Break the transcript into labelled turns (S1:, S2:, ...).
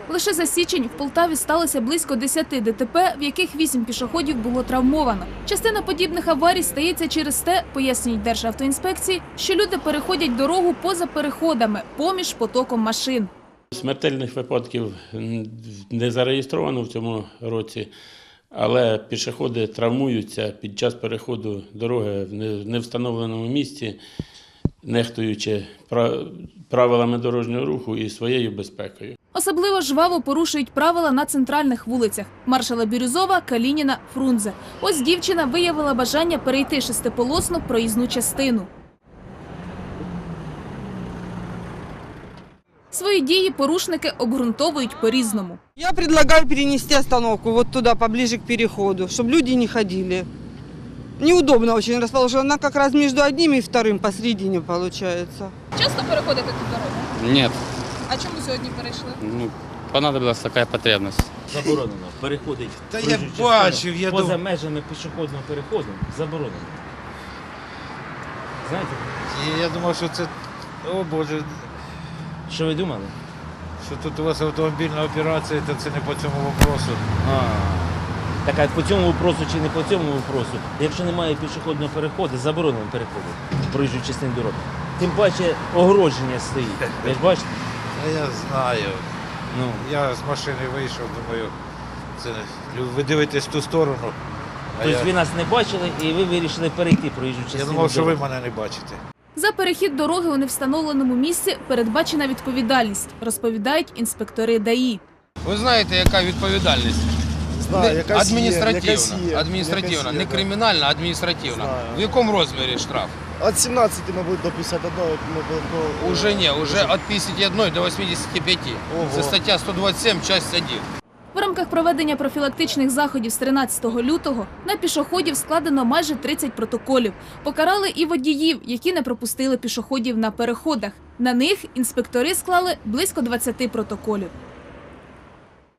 S1: Лише за січень в Полтаві сталося близько 10 ДТП, в яких 8 пішоходів було травмовано. Частина подібних аварій стається через те, пояснюють Державтоінспекції, що люди переходять дорогу поза переходами, поміж потоком машин.
S2: Смертельних випадків не зареєстровано в цьому році, але пішоходи травмуються під час переходу дороги в невстановленому місці, нехтуючи правилами дорожнього руху і своєю безпекою.
S1: Особливо жваво порушують правила на центральних вулицях – Маршала Бірюзова, Калініна, Фрунзе. Ось дівчина виявила бажання перейти шестиполосну проїзну частину. Свої дії порушники обґрунтовують по-різному.
S3: Я предлагаю перенести остановку вот туда, поближе к переходу, чтобы люди не ходили. Неудобно очень расположена, она как раз между одним и вторым посередине получается.
S1: Часто переходите тут дорогу?
S4: Нет,
S1: А чому сьогодні перейшли?
S4: понадобилась такая потребность.
S5: Заборонено переходить
S6: Та я
S5: проїжджу
S6: бачив,
S5: частину
S6: я
S5: поза
S6: думав.
S5: межами пішохідного переходу. Заборонено. Знаєте,
S6: Я думав, що це, о Боже,
S5: що ви думали?
S6: що тут у вас автомобільна операція, то це не по цьому вопросу.
S5: Так а по цьому вопросу чи не по цьому вопросу, якщо немає пішохідного переходу, заборонено переходити проїжджу частину дороги. Тим паче огородження стоїть. Ви ж бачите?
S6: А я знаю.
S5: Ну,
S6: Я з машини вийшов, думаю, це ви дивитесь в ту сторону. А
S5: тобто ви нас не бачили і ви вирішили перейти проїжджу частину
S6: я
S5: дороги.
S6: думав, що ви мене не бачите.
S1: За перехід дороги у невстановленому місці передбачена відповідальність, розповідають інспектори ДАІ.
S7: Ви знаєте, яка відповідальність?
S8: Знаю, якась
S7: Адміністративна, не кримінальна, а адміністративна.
S8: Знаю.
S7: В якому розмірі штраф?
S8: Від 17, мабуть, до 51.
S7: Уже ні, уже від 51 до 85.
S8: Ого.
S7: Це стаття 127, часть 1.
S1: В рамках проведення профілактичних заходів з 13 лютого на пішоходів складено майже 30 протоколів. Покарали і водіїв, які не пропустили пішоходів на переходах. На них інспектори склали близько 20 протоколів.